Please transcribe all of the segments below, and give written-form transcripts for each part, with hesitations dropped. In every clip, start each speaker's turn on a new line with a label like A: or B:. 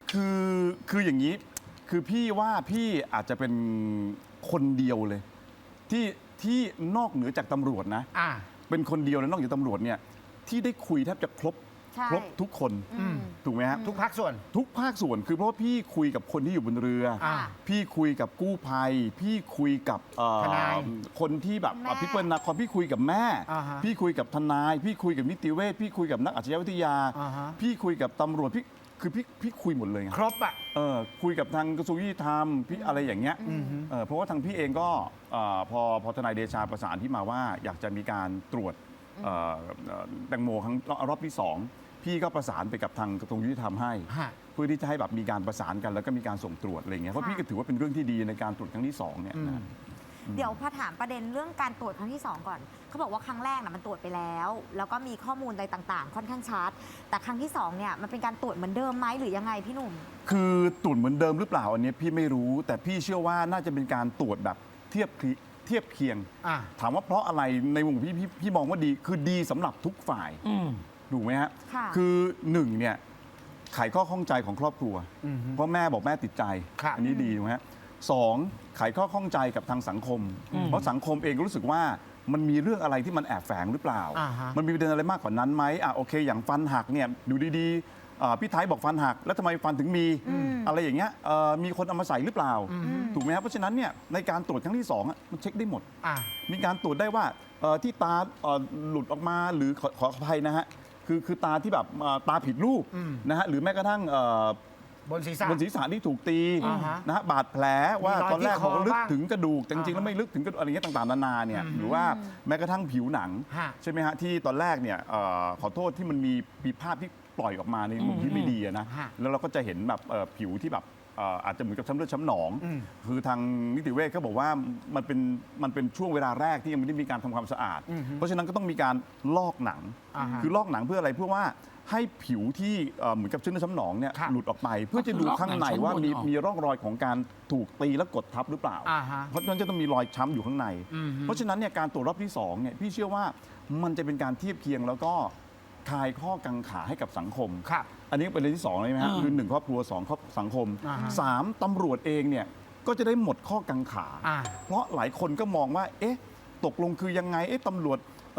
A: คือคืออย่างนี้คือพี่ว่าพี่อาจจะเป็นคนเดียวเลยที่นอกเหนือจากตำรวจนะเป็นคนเดียวเลยนอกจากตำรวจเนี่ยที่ได้คุยแทบจะครบทุกคนถูกไหมฮะ
B: ทุกภาคส่วน
A: คือเพราะว่าพี่คุยกับคนที่อยู่บนเรือพี่คุยกับกู้ภัยพี่คุยกับ
B: ทนาย
A: คนที่แบบพี่เปิ้ลนาคอนพี่คุยกับแม่พี่คุยกับทนายพี่คุยกับนิติเวชพี่คุยกับนักอาชญาวิทยาพี่คุยกับตำรวจพี่คุยหมดเลยไง
B: ครบอ่ะ
A: คุยกับทางกระทรวงยุติธรรมพี่อะไรอย่างเงี้ยเพราะว่าทางพี่เองก็พอทนายเดชาประสานที่มาว่าอยากจะมีการตรวจแตงโมครั้งรอบที่2พี่ก็ประสานไปกับทางกระทรวงยุติธรรมให้เพื่อที่จะให้แบบมีการประสานกันแล้วก็มีการส่งตรวจอะไรเงี้ยเพราะพี่ก็ถือว่าเป็นเรื่องที่ดีในการตรวจครั้งที่2เนี่ยนะ
C: เดี๋ยวพอถามประเด็นเรื่องการตรวจครั้งที่2ก่อนเขาบอกว่าครั้งแรกนะมันตรวจไปแล้วแล้วก็มีข้อมูลอะไรต่างๆค่อนข้างชัดแต่ครั้งที่2เนี่ยมันเป็นการตรวจเหมือนเดิมไหมหรือยังไงพี่หนุ่ม
A: คือตรวจเหมือนเดิมหรือเปล่าอันนี้พี่ไม่รู้แต่พี่เชื่อว่าน่าจะเป็นการตรวจแบบเทียบเคียงถามว่าเพราะอะไรในมุมพี่มองว่าดีคือดีสำหรับทุกฝ่ายถูกไหมฮะคือ1เนี่ยไขข้อข้องใจของครอบครัวเพราะแม่บอกแม่ติดใจอันนี้ดีถูกไหมฮะ2ไขข้อข้องใจกับทางสังคมเพราะสังคมเองก็รู้สึกว่ามันมีเรื่องอะไรที่มันแอบแฝงหรือเปล่ามันมีประเด็นอะไรมากกว่านั้นไหมโอเคอย่างฟันหักเนี่ยดูดีๆพี่ไทยบอกฟันหักแล้วทำไมฟันถึงมีอะไรอย่างเงี้ยมีคนเอามาใส่หรือเปล่าถูกไหมครับเพราะฉะนั้นเนี่ยในการตรวจครั้งที่2มันเช็คได้หมดมีการตรวจได้ว่าที่ตาหลุดออกมาหรือขออภัยนะฮะคือตาที่แบบตาผิดรูปนะฮะหรือแม้กระทั่ง
B: บนศีรษะ
A: ที่ถูกตีนะฮะบาดแผลว่าตอนแรกบอกลึกถึงกระดูกแต่จริงๆแล้วไม่ลึกถึงกระดูกอะไรเงี้ยต่างๆนานาเนี่ยหรือว่าแม้กระทั่งผิวหนังใช่ไหมฮะที่ตอนแรกเนี่ยขอโทษที่มันมีภาพที่ปล่อยออกมาในมุมที่ไม่ดีนะแล้วเราก็จะเห็นแบบผิวที่แบบอาจจะเหมือนกับช้ำเลือดช้ำหนองคือทางนิติเวชเขาบอกว่ามันเป็นช่วงเวลาแรกที่ยังไม่ได้มีการทำความสะอาดเพราะฉะนั้นก็ต้องมีการลอกหนังคือลอกหนังเพื่ออะไรเพื่อว่าให้ผิวที่เหมือนกับชื้นช้ำหนองเนี่ยหลุดออกไปเพื่อจะดูข้างในว่ามีร่องรอยของการถูกตีและกดทับหรือเปล่าเพราะฉะนั้นจะต้องมีรอยช้ำอยู่ข้างในเพราะฉะนั้นเนี่ยการตรวจรอบที่2เนี่ยพี่เชื่อว่ามันจะเป็นการเทียบเคียงแล้วก็คลายข้อกังขาให้กับสังคมอันนี้เป็นเรื่องที่2เลยไหมฮะคือ1ครอบครัว2สังคม3ตำรวจเองเนี่ยก็จะได้หมดข้อกังขาเพราะหลายคนก็มองว่าเอ๊ะตกลงคือยังไงตำรวจ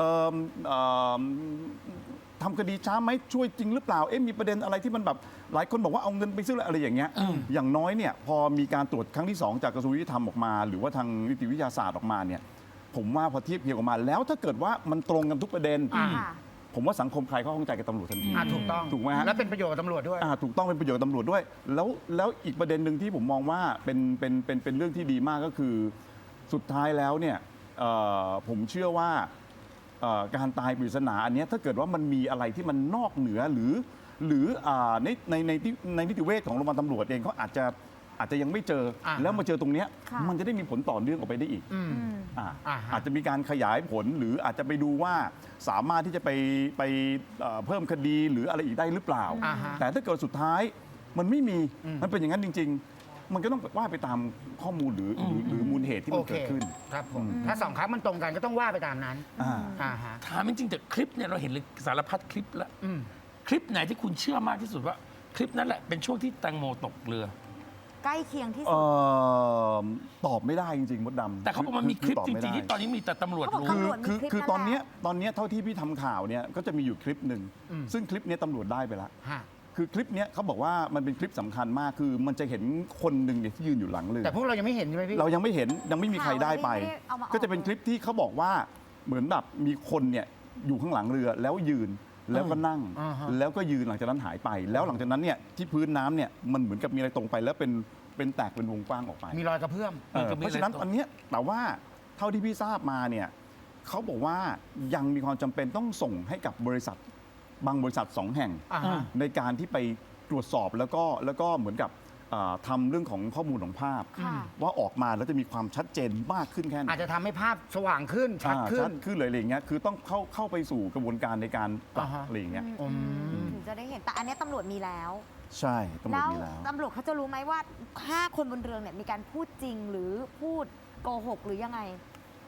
A: ทำคดีช้าไหมช่วยจริงหรือเปล่ามีประเด็นอะไรที่มันแบบหลายคนบอกว่าเอาเงินไปซื้ออะไรอย่างเงี้ยอย่างน้อยเนี่ยพอมีการตรวจครั้งที่2จากกระทรวงยุติธรรมออกมาหรือว่าทางนิติวิทยาศาสตร์ออกมาเนี่ยผมว่าพอเทียบเคียงออกมาแล้วถ้าเกิดว่ามันตรงกันทุกประเด็นผมว่าสังคมคลายข้อข้องใจกับตำรวจทันที
B: ถูกต้อง
A: ถูกไหมฮะ
B: แล้วเป็นประโยชน์กับตำรวจด้วย
A: ถูกต้องเป็นประโยชน์กับตำรวจด้วยแล้วอีกประเด็นหนึ่งที่ผมมองว่าเป็นเรื่องที่ดีมากก็คือสุดท้ายแล้วเนี่ยผมเชื่อว่าการตายปริศนาอันนี้ถ้าเกิดว่ามันมีอะไรที่มันนอกเหนือหรือในนิติเวชของโรงพยาบาลตำรวจเองเขาอาจจะยังไม่เจอแล้วมาเจอตรงนี้มันจะได้มีผลต่อเนื่องออกไปได้อีกอาจจะมีการขยายผลหรืออาจจะไปดูว่าสามารถที่จะไปเพิ่มคดีหรืออะไรอีกได้หรือเปล่าแต่ถ้าเกิดสุดท้ายมันไม่มีมันเป็นอย่างนั้นจริงๆมันก็ต้องว่าไปตามข้อมูลหรือมูลเหตุที่มันเกิดขึ้น
B: ครับผมถ้า2ครั้งมันตรงกันก็ต้องว่าไปตามนั้น
D: ถามจริงๆแต่คลิปเนี่ยเราเห็นเลยสารพัดคลิปแล้วคลิปไหนที่คุณเชื่อมากที่สุดว่าคลิปนั้นแหละเป็นช่วงที่แตงโมตกเรือ
C: ใกล้เคียงที่สุด
A: ตอบไม่ได้จริงๆมดดำ
D: แต่เขาบอกมันมีคลิปจริงๆที่ตอนนี้มีแต่ตำรวจรู้
A: คือตอนนี้เท่าที่พี่ทำข่าวเนี่ยก็จะมีอยู่คลิปหนึ่งซึ่งคลิปนี้ตำรวจได้ไปแล้วคือคลิปนี้เขาบอกว่ามันเป็นคลิปสำคัญมากคือมันจะเห็นคนหนึ่งเนี่ยที่ยืนอยู่หลังเรือ
B: แต่พวกเรายังไม่เห็นใช่ไหมพี่
A: เรายังไม่เห็นยังไม่มีใครได้ไปก็จะเป็นคลิปที่เขาบอกว่าเหมือนแบบมีคนเนี่ยอยู่ข้างหลังเรือแล้วยืนแล้วก็นั่งแล้วก็ยืนหลังจากนั้นหายไปแล้วหลังจากนั้นเนี่ยที่พื้นน้ำเนี่ยมันเหมือนกับมีอะไรตรงไปแล้วเป็นแตกเป็นวงกว้างออกไป
B: มีรอยกระเพื่อม
A: เพราะฉะนั้นอันเนี้ยแต่ว่าเท่าที่พี่ทราบมาเนี่ยเขาบอกว่ายังมีความจำเป็นต้องส่งให้กับบริษัทบางบริษัท2 แห่งในการที่ไปตรวจสอบแล้วก็เหมือนกับทำเรื่องของข้อมูลของภาพว่าออกมาแล้วจะมีความชัดเจนมากขึ้นแค่ไหน
B: อาจจะทำให้ภาพสว่างขึ้นชัด
A: ขึ้นเลยอะไรอย่างเงี้ยคือต้องเข้าไปสู่กระบวนการในการปรับอะไรอย่างเงี้ย
C: ถึงจะได้เห็นแต่อันนี้ตำรวจมีแล้ว
A: ใช่ตำรวจมีแล้ว
C: ตำรวจเขาจะรู้ไหมว่า5 คนบนเรือเนี่ยมีการพูดจริงหรือพูดโกหกหรือยังไง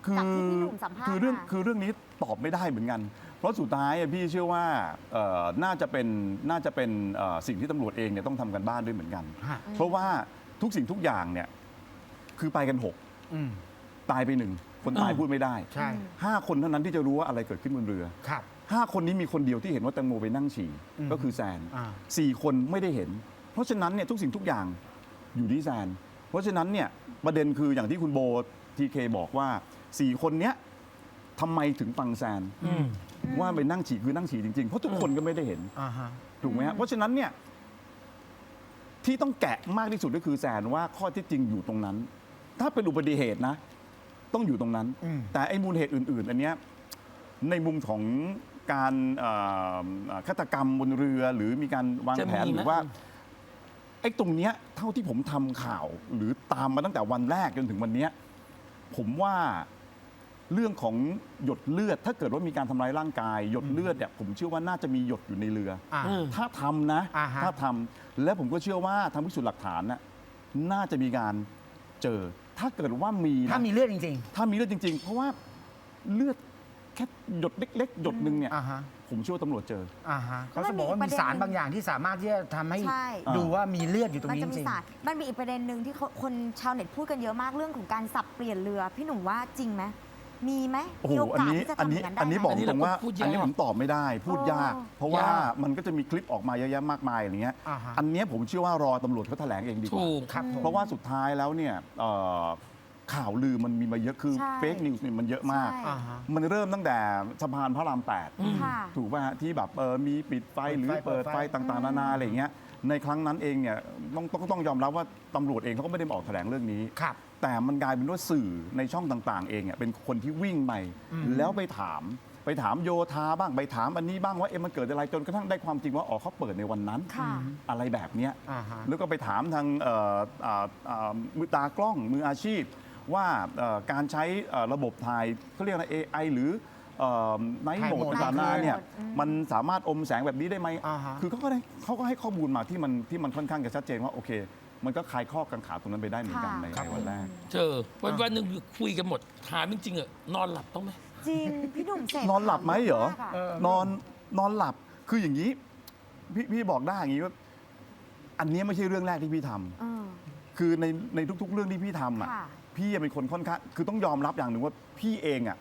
C: จากที่พี่หนุ่มสัมภาษณ์
A: คือเรื่องนี้ตอบไม่ได้เหมือนกัน เพราะสุดท้ายพี่เชื่อว่าน่าจะเป็นสิ่งที่ตำรวจเองเนี่ยต้องทำกันบ้านด้วยเหมือนกัน
B: ฮะ
A: เพราะว่าทุกสิ่งทุกอย่างเนี่ยคือไปกัน
B: อืม
A: 6 ตายไป 1 คนตายพูดไม่ได้
B: ใช่
A: 5 คนเท่านั้นที่จะรู้ว่าอะไรเกิดขึ้นบนเรือ
B: ครับ
A: 5 คนนี้มีคนเดียวที่เห็นว่าแตงโมไปนั่งฉี่
B: อืม
A: ก็คือแซน
B: อ่า
A: 4 คนไม่ได้เห็น เพราะฉะนั้นเนี่ยทุกสิ่งทุกอย่างอยู่ที่แซน เพราะฉะนั้นเนี่ยประเด็นคืออย่างที่คุณโบทีเคบอกว่า 4 คนเนี้ยทำไมถึงฟังแซน ว่าไปนั่งฉี่คือนั่งฉี่จริงๆ เพราะทุกคนก็ไม่ได้เห็น
B: อ่าฮะ
A: ถูกไหมฮะเพราะฉะนั้นเนี่ยที่ต้องแกะมากที่สุดก็คือแซนว่าข้อเท็จจริงอยู่ตรงนั้น ถ้าเป็นอุบัติเหตุนะ ต้องอยู่ตรงนั้น
B: อืม
A: แต่ไอ้มูลเหตุอื่น ๆ อันเนี้ยในมุมของการฆาตกรรมบนเรือ หรือมีการวางแผน
D: จะมีไหม
A: หรือว่าไอ้ตรงเนี้ยเท่าที่ผมทำข่าว หรือตามมาตั้งแต่วันแรกจนถึงวันเนี้ยผมว่าเรื่องของหยดเลือด ถ้าเกิดว่ามีการทำร้ายร่างกาย หยดเลือดเนี่ยผมเชื่อว่าน่าจะมีหยดอยู่ในเรือ
B: อ่า
A: ถ้าทำนะ
B: อ่าฮะ
A: ถ้าทำและผมก็เชื่อว่าทางพิสูจน์หลักฐานน่ะน่าจะมีการเจอ ถ้าเกิดว่ามีนะ
B: ถ้ามีเลือดจริง
A: ถ้ามีเลือดจริง ๆ เพราะว่าเลือดแค่หยดเล็ก ๆ หยดหนึ่งเนี่ย
B: ๆ อ่าฮะ
A: ผมเชื่อว่าตำรวจเจอ
B: อ่าฮะเขาจะบอกว่ามีสารบางอย่างที่สามารถที่จะทำให้
C: ใช่
B: ดูว่ามีเลือดอยู่ตรง
C: มัน
B: นี้
C: จะ
B: จ
C: มี
B: ริง
C: สารมันมีอีกประเด็นหนึ่งที่คนชาวเน็ตพูดกันเยอะมากเรื่องของการสับเปลี่ยนเรือ พี่หนุ่มว่าจริงไหมมีไหม
A: โอ้โห
C: มีโอกาสที่จะทำอย่างนั้นได้
A: อันนี้
C: ไหม
A: บอกตรงว่า
D: อันนี้เราก็พูดยาก
A: อันนี้ผมตอบไม่ได้ พูดยาก เพราะว่าย
B: าก
A: มันก็จะมีคลิปออกมาเยอะแยะมากมายอะไรเงี้ย
B: อ่าฮะ
A: อันเนี้ยผมเชื่อว่ารอตำรวจเขาแถลงเองดีกว่า
D: ถูก
B: ครับผม
A: เพราะว่าสุดท้ายแล้วเนี่ยข่าวลือมันมีมาเยอะคือ
C: ใช่
A: เฟกนิวส์เนี่ยมันเยอะมาก
C: ใช่
B: อ่าฮะ
A: มันเริ่มตั้งแต่สะพานพระราม
C: ค่ะ
A: 8 ถูกป่ะฮะที่แบบมีปิดไฟหรือ
B: เปิ
A: เปิ
B: ด
A: ด
B: ไฟ
A: ไฟต่างๆนานาอะไรอย่างเงี้ยในครั้งนั้นเองเนี่ยต้องยอมรับว่าตำรวจเองเขาก็ไม่ได้มาออกแถลงเรื่องนี้
B: ครับ
A: แต่มันกลายเป็นว่าสื่อในช่องต่างๆ เองเนี่ยเป็นคนที่วิ่งไปแล้วไปถามโยธาบ้างไปถามอันนี้บ้างว่ามันเกิดอะไรจนกระทั่งได้ความจริงว่าอ๋อเขาเปิดในวันนั้น
C: ค่ะ
A: อะไรแบบเนี้ย
B: อ่าฮะ
A: แล้วก็ไปถามทางมือตากล้องมืออาชีพ ว่าการใช้ระบบถ่ายเขาเรียกอะไร AI หรือไนท์โหมด
B: ถ่ายโหมด
A: ต่างๆนานาเนี่ย
C: อืม
A: มันสามารถอมแสงแบบนี้ได้ไหม
B: อ่าฮะ
A: คือเขาก็ให้ข้อมูลมาที่มันค่อนข้างจะชัดเจนว่าโอเค มันก็คลายข้อกังขาตรงนั้นไปได้เหมือนกันในวันแรก
D: เจอวันหนึ่งคุยกันหมดถามจริงๆอะนอนหลับต้องไหม
C: จริง พี่หนุ่มเสร็จ
A: นอนหลับไหมเหรอ
C: มากะ
B: เออ
A: นอนหลับคืออย่างนี้พี่บอกได้อย่างนี้ว่าอันนี้ไม่ใช่เรื่องแรกที่พี่ทำ
C: เออ
A: คือในทุกๆเรื่องที่พี่ทำอ่ะ
C: ค่ะ
A: พี่เป็นคนค่อนข้างคือต้องยอมรับอย่างหนึ่งว่าพี่เองอ่ะ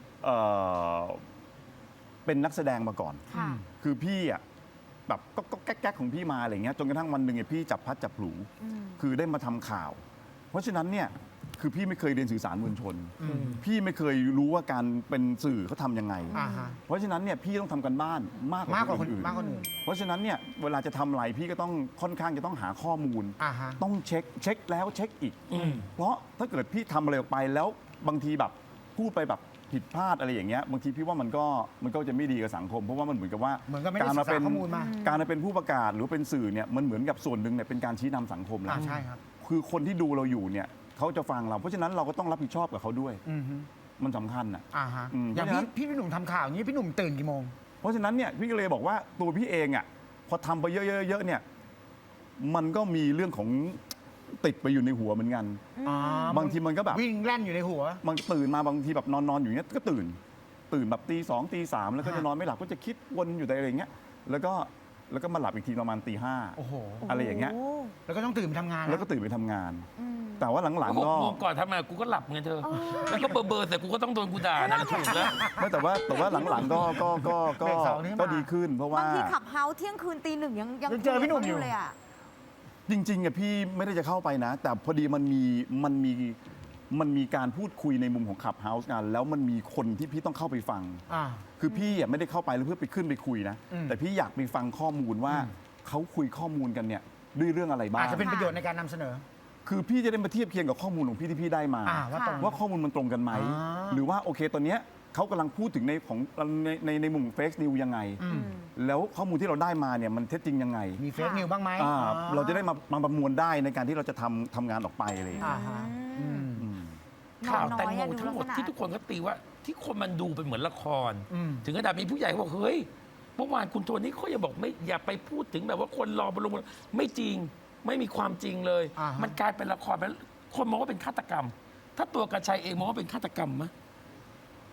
A: เป็นนักแสดงมาก่อน
C: ค่ะ
A: คือพี่อ่ะแบบก็แก๊กๆของพี่มาอะไรเงี้ยจนกระทั่งวันหนึ่งเนี่ยพี่จับพลัดจับผลู
C: อืม
A: คือได้มาทำข่าว เพราะฉะนั้นเนี่ยคือพี่ไม่เคยเรียนสื่อสารมวลชน พี่ไม่เคยรู้ว่าการเป็นสื่อเขาทำยังไง
B: อ่าฮะ
A: เพราะฉะนั้นเนี่ยพี่ต้องทำกันบ้านมาก
B: มากกว่าคน
A: อื่น
B: มากกว่าคนอื่น
A: เพราะฉะนั้นเนี่ยเวลาจะทำอะไรพี่ก็ต้องค่อนข้างจะต้องหาข้อมูล
B: อ่าฮะ
A: ต้องเช็คแล้วเช็คอีก
D: อืม
A: เพราะถ้าเกิดพี่ทำอะไรออกไปแล้วบางทีแบบพูดไปแบบผิดพลาดอะไรอย่างเงี้ยบางทีพี่ว่ามันก็จะไม่ดีกับสังคม เพราะว่ามันเหมือนกับว่า
B: เหมือนกับไม่ได้
A: การมาเป็น
B: ศึกษาข้อมูลมา
A: การมาเป็นผู้ประกาศหรือเป็นสื่อเนี่ยมันเหมือนกับส่วนหนึ่งเนี่ยเป็นการชี้นำสังคมแล้
B: อ่าว ใช่ครับ
A: คือคนที่ดูเราอยู่เนี่ยเขาจะฟังเราเพราะฉะนั้นเราก็ต้องรับผิดชอบกับเขาด้วย
B: อือฮึ
A: มันสำคัญอ่ะ
B: อ่าฮะ
A: อืม
B: อย่าง
A: เพราะฉะนั้น
B: พี่หนุ่มทำข่าวอย่างนี้พี่หนุ่มตื่นกี่โมง
A: เพราะฉะนั้นเนี่ยพี่ก็เลยบอกว่าตัวพี่เองอ่ะพอทำไปเยอะๆเนี่ยมันก็มีเรื่องของติดไปอยู่ในหัวเหมือนกัน
B: อ๋อ
A: บางทีมันก็แบบ
B: วิ่งแล่นอยู่ในหัว
A: มันตื่นมาบางทีแบบนอนอยู่เงี้ยก็ตื่นแบบตี 2ตี 3แล้วก็จะนอนไม่หลับก็จะคิดวนอยู่แต่อะไรอย่างเงี้ยแล้วก็มาหลับอีกทีประมาณตี
B: โอ้โห
A: อะไรอย่างเงี้ย
C: โ
B: แล้วก็ต้องตื่นไปทำงาน
A: แล้วก็ตื่นไปทำงาน
C: อืม
A: แต่ว่าหลัง
D: 6
A: ๆก็
D: โมงก่อนทำงานกูก็หลับไงเธอ แล้วก็เบอร์แต่กูก็ต้องโดนกูด่านั่นแหละถูกแล้ว
A: ไม่แต่ว่าหลังๆก็
B: เบรกสองนี้มา
A: ก็ดีขึ้น เพราะว่า
C: บางทีขับเฮาส์เที่ยงคืนตีหนึ่งยัง
B: ยังเจอพี่หนุ่มอยู่
C: เลยอ่ะ
A: จริงๆอ่ะพี่ไม่ได้จะเข้าไปนะ แต่พอดีมันมีการพูดคุยในมุมของขับเฮาส์กันแล้วมันมีคนที่พี่ต้องเข้าไปฟัง
B: อ่า
A: คือพี่อ่ะไม่ได้เข้าไปแล้วเพื่อไปขึ้นไปคุยนะ
B: อืม
A: แต่พี่อยากไปฟังข้อมูลว่า
B: อืม
A: เขาคุยข้อมูลกันเนี่ยด้วยเรื่องอะไรบ้า
B: อาง จจะเป็นประโยชน์ในการนำเสนอ
A: คือพี่จะได้มาเทียบเคียงกับข้อมูลของพี่ที่พี่ได้มา
B: ว่าตรง
A: ว่าข้อมูลมันตรงกันไหม
B: อ่า
A: หรือว่าโอเคตอนเนี้ยเขากำลังพูดถึงในมุมเฟกนิวยังไง
B: อืม
A: แล้วข้อมูลที่เราได้มาเนี่ยมันเท็จจริงยังไง
B: มีเฟซนิวบ้างไหม
A: เราจะได้มาประมวลได้ในการที่เราจะทำงานออกไปอะไรอย่าง
B: อ่า
A: เงี้ย
B: ฮะ
C: อืม
A: อืม
D: ข่าว
C: น้
D: แต
C: อย
D: งโม
C: อะดู
D: ทั้งหมด
C: ลักษณะ
D: ที่ทุกคนก็ตีว่าที่คนมันดูเป็นเหมือนละคร
B: อืม
D: ถึงขนาดมีผู้ใหญ่เขาบอกเฮ้ยเมื่อวานคุณโทนี่เขาอย่าบอกไม่อย่าไปพูดถึงแบบว่าคนรอบนลงไม่จริงไม่มีความจริงเลย
B: อ่าฮะ
D: มันกลายเป็นละครไปคนมองว่าเป็นฆาตกรรม ถ้าตัวกระชัยเองมองว่าเป็นฆาตกรรมไหม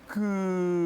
A: คือ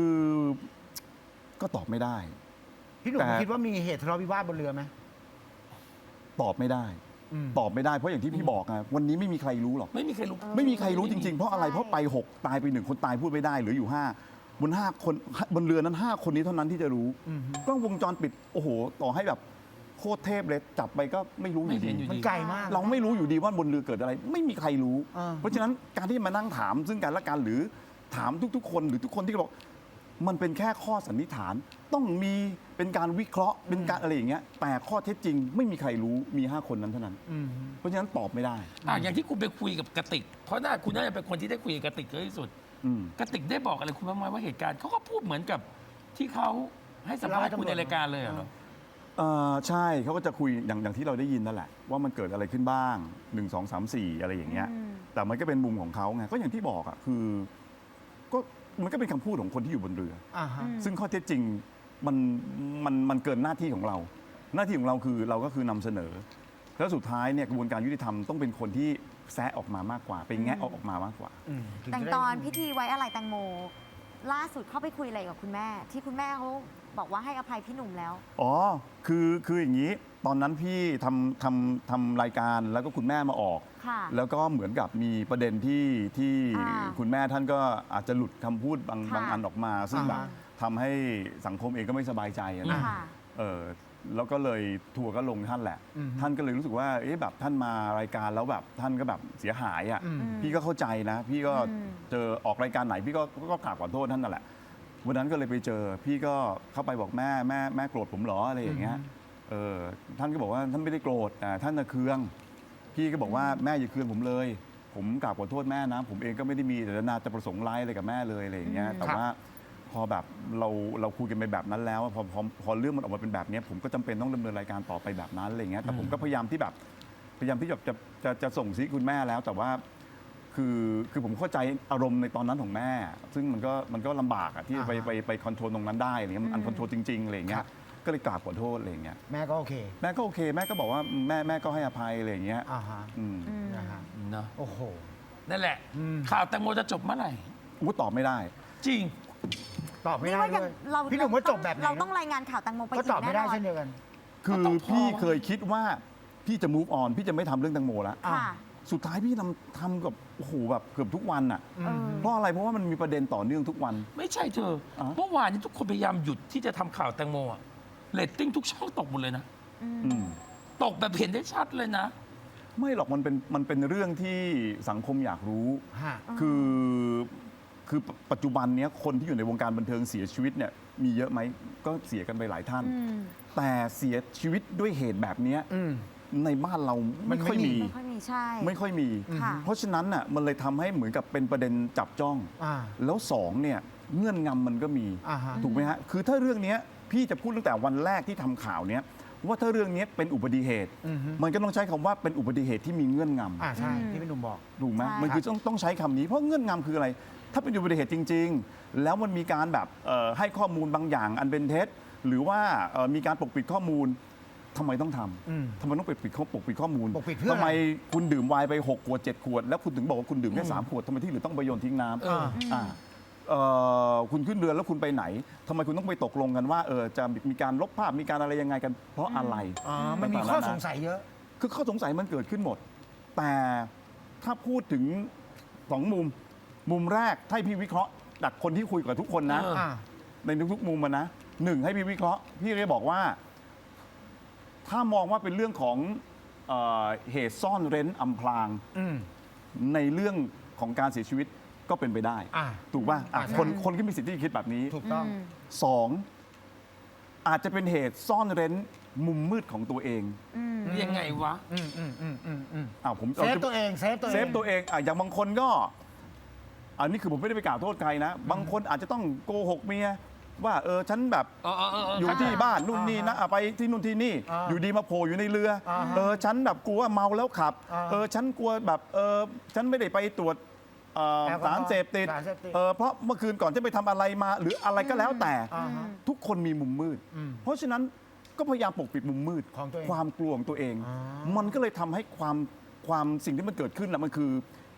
A: ก็ตอบไม่ได้
B: พี่หนุ่ม
A: แต่
B: คิดว่ามีเหตุทะเลาะวิวาทบนเรือไหม
A: ตอบไม่ได้ ตอบไม่ได้เพราะอย่างที่พี่บอกไงวันนี้ไม่มีใครรู้หรอก
D: ไม่มีใครรู้
A: ไม่มีใครรู้จริงๆ เพราะอะไร
C: ใช่
A: เพราะไป 6 ตายไป 1 คนตายพูดไม่ได้เหลืออยู่ 5 บน 5 คนบนเรือนั้น 5 คนนี้เท่านั้นที่จะรู้กล้องวงจรปิดโอ้โหต่อให้แบบโคตรเทพเลยจับไปก็ไม่รู้อยู่
D: ไม่เห็
A: ดี
D: นอยู่
B: มันไกลมาก
A: เราไม่รู้อยู่ดีว่าบนเรือเกิดอะไร ไม่มีใครรู้
B: อ่า
A: เพราะฉะนั้นการที่มานั่งถามซึ่งกันและกันหรือถามทุกๆ คนหรือทุกคนที่บอกมันเป็นแค่ข้อสันนิษฐาน ต้องมีเป็นการวิเคราะห์เป็นการอะไรอย่างเงี้ยแต่ข้อเท็จจริง ไม่มีใครรู้มี 5 คนนั้นเท่านั้น เพราะฉะนั้นตอบไม่ได้
D: อย่างที่คุณไปคุยกับกติก เพราะคุณน่าจะเป็นคนที่ได้คุยกับกติกเยอะที่สุด
A: อืม
D: กติกได้บอกอะไรคุณบ้างไหมว่าเหตุการณ์เขาก็พูดเหมือนกับที่เขาให้สัมภาษณ์คุณในรายการเลยเหรอ
A: ใช่เขาก็จะคุยอย่างที่เราได้ยินนั่นแหละ ว่ามันเกิดอะไรขึ้นบ้าง 1 2 3 4 อะไรอย่างเงี้ย แต่มันก็เป็นมุมของเขาไงก็อย่างที่บอกอ่ะคือก็มันก็เป็นคำพูดของคนที่อยู่บนเรือ
B: อ่าฮะ
A: ซึ่งข้อเท็จจริงมันเกินหน้าที่ของเรา หน้าที่ของเราคือเราก็คือนำเสนอ แล้วสุดท้ายเนี่ยกระบวนการยุติธรรมต้องเป็นคนที่แซะออกมามากกว่าไปแงะออกมามากกว่า
C: แต่ตอนพิธีไว้อะไรแตงโม ล่าสุดเข้าไปคุยอะไรกับคุณแม่ ที่คุณแม่เขาบอกว่าให้อภัยพี่หนุ่มแล้ว
A: อ๋อคืออย่างนี้ ตอนนั้นพี่ทำรายการแล้วก็คุณแม่มาออก
C: ค่ะ
A: แล้วก็เหมือนกับมีประเด็นที่
C: อ่า
A: คุณแม่ท่านก็อาจจะหลุดคำพูดบาง
C: ค่ะ
A: อันออกมา ซึ่งแบบ
B: อ่า
A: ทำให้สังคมเองก็ไม่สบายใจอะนะ
C: ค่ะ
A: แล้วก็เลยทัวร์ก็ลงท่านแหละ ท่านก็เลยรู้สึกว่าแบบท่านมารายการแล้วแบบท่านก็แบบเสียหายอ่ะพี่ก็เข้าใจนะ พี่ก็เจอออกรายการไหนพี่ก็กราบขอโทษท่านนั่นแหละวันนั้นก็เลยไปเจอพี่ก็เข้าไปบอกแม่โกรธผมเหรออะไรอย่างเงี้ยท่านก็บอกว่าท่านไม่ได้โกรธแต่ท่านน่ะเคืองพี่ก็บอกว่าแม่อย่าเคืองผมเลย ผมกราบขอโทษแม่นะผมเองก็ไม่ได้มีเจตนาจะประสงค์ร้ายอะไรกับแม่เลยอะไรอย่างเงี้ยแต่ว่า พอแบบเราคุยกันไปแบบนั้นแล้วพอเรื่องมันออกมาเป็นแบบนี้ผมก็จำเป็นต้องดำเนินรายการต่อไปแบบนั้นอะไรเงี้ยแต่ผมก็พยายามที่จะส่งซิคุณแม่แล้ว แต่ว่าคือผมเข้าใจอารมณ์ในตอนนั้นของแม่ ซึ่งมันก็ลำบากอะที่ไปคอนโทรลตรงนั้นได้อะไรเงี้ยมันอันคอนโทรลจริงๆอะไรเงี้ยก็เลยกราบขอโทษอะไรเงี้ย
B: แม่ก็โอเค
A: แม่ก็โอเคแม่ก็บอกว่าแม่ก็ให้อภัยอะไรเงี้ย
B: อ่าฮะ นะฮะ
D: เนอะ
B: โอ้โห
D: นั่นแหละ ข่าวแตงโมจะจบเมื่อไหร่
A: อู้ตอบไม่ได้
D: จริง
B: ตอบไม่
C: นี่
B: ได้
C: ว่า
B: ด้
C: ยั
B: วย
C: เรา
B: พี่หนุ่มว่าจบแบบไหน
C: เราต้องรายงานข่าวแตงโมไป
B: ก็
C: อี
B: ตอบ
C: ก
B: ไม่
C: แน่
B: ได้
C: นอน
B: เช่นเดียวกัน
A: คือ
D: ก็ต้องพอ
A: พี่เคยคิดว่าพี่จะ move on พี่จะไม่ทำเรื่องแตงโมแล้ว
C: ค่ะ
A: สุดท้ายพี่ทำกับโอ้โหแบบเกือบทุกวันอ่ะ
C: เออ
A: เพราะอะไรเพราะว่ามันมีประเด็นต่อเนื่องทุกวัน
D: ไม่ใช่เธอ เมื่อวานนี้ทุกคนพยายามหยุดที่จะทำข่าวแตงโมอะเรตติ้งทุกช่องตกหมดเลยนะ
A: อืม
D: ตกแบบเห็นได้ชัดเลยนะ
A: ไม่หรอกมันเป็นเรื่องที่สังคมอยากรู้
B: ฮะ
A: คือปัจจุบันเนี้ยคนที่อยู่ในวงการบันเทิงเสียชีวิตเนี่ยมีเยอะไหมก็เสียกันไปหลายท่าน แต่เสียชีวิตด้วยเหตุแบบเนี้ย
B: อืม
A: ในบ้านเราไม่ค่อยมี
C: ไม่ค่อยมีใช่
A: ไม่ค่อยมี
C: ค่ะ
A: เพราะฉะนั้นน่ะมันเลยทำให้เหมือนกับเป็นประเด็นจับจ้อง
B: อ่า
A: แล้วสองเนี่ยเงื่อนงำมันก็มี
B: อ่าฮะ
A: ถูกไหมฮะคือถ้าเรื่องเนี้ยพี่จะพูดตั้งแต่วันแรกที่ทำข่าวเนี้ยว่าถ้าเรื่องเนี้ยเป็นอุบัติเหตุ
B: อือฮึ
A: มันก็ต้องใช้คำว่าเป็นอุบัติเหตุที่มีเงื่อนงำ
B: ใช่ที่พี่หนุ่มบอก
A: ถูกไหม
C: ใช่
A: มันคือต้องใช้คำนี้เพราะเงื่อนงำคืออะไร ถ้าเป็นอุบัติเหตุจริง ๆ แล้วมันมีการแบบให้ข้อมูลบางอย่างอันเป็นเท็จหรือว่ามีการปกปิดข้อมูลทำไมต้องท
B: อืม
A: ำทำไมต้องปกปิดข้อมูล
B: ปกปิดเพื่ออะไร
A: ทำไมคุณดื่มไวน์ไป6 ขวด 7 ขวด แล้วคุณถึงบอกว่าคุณดื่มแค่3 ขวดทำไมที่เหลือต้องไปโยนทิ้งน้ำ
B: อ่า
A: คุณขึ้นเรือแล้วคุณไปไหนทำไมคุณต้องไปตกลงกันว่าจะมีการลบภาพมีการอะไรยังไงกัน เพราะอะไร
B: มันมีข้อสงสัยเยอะ
A: คือข้อสงสัยมันเกิดขึ้นหมด แต่ถ้าพูดถึงมุมแรกให้พี่วิเคราะห์จากคนที่คุยกับทุกคนนะ
B: อ่า
A: ในทุกๆมุมมันนะหนึ่งให้พี่วิเคราะห์พี่เลยบอกว่า ถ้ามองว่าเป็นเรื่องของเหตุซ่อนเร้นอำพราง
B: อืม
A: ในเรื่องของการเสียชีวิตก็เป็นไปได้
B: อ่า
A: ถูกป่ะ
B: ใช่
A: คนก็มีสิทธิ์ที่จะคิดแบบนี้
B: ถูกต้อง
A: สองอาจจะเป็นเหตุซ่อนเร้นมุมมืดของตัวเอง
D: ยังไงวะ
A: ผม
B: เซฟตัวเอง เซฟตัวเอง
A: เซฟตัวเองอย่างบางคนก็อันนี้คือผมไม่ได้ไปกล่าวโทษใครนะ บางคนอาจจะต้องโกหกเมียว่าฉันแบบ อยู่ที่บ้านนู่นนี่นะไปที่นู่นที่นี่ อยู่ดีมาโผล่อยู่ในเรือฉันแบบกลัวเมาแล้วขับฉันกลัวแบบฉันไม่ได้ไปตรวจสารเสพติดเพราะเมื่อคืนก่อนจะไปทำอะไรมาหรืออะไรก็แล้วแต่ทุกคนมีมุมมืด เพราะฉะนั้นก็พยายามปกปิดมุมมืด
B: ของตัวเอง
A: ความกลัวของตัวเอง มันก็เลยทำให้ความสิ่งที่มันเกิดขึ้นนะมันคือ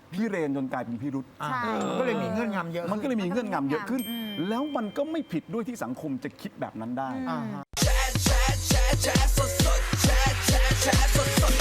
A: พิเรนจนกลายเป็นพิรุษ
C: ใช่
B: มันก็เลยมีเงื่อนงำเยอะ
A: มันก็เลยมีเงื่อนงำเยอะขึ้น
C: อืม
A: แล้วมันก็ไม่ผิดด้วยที่สังคมจะคิดแบบนั้นได้
B: อ่าฮะ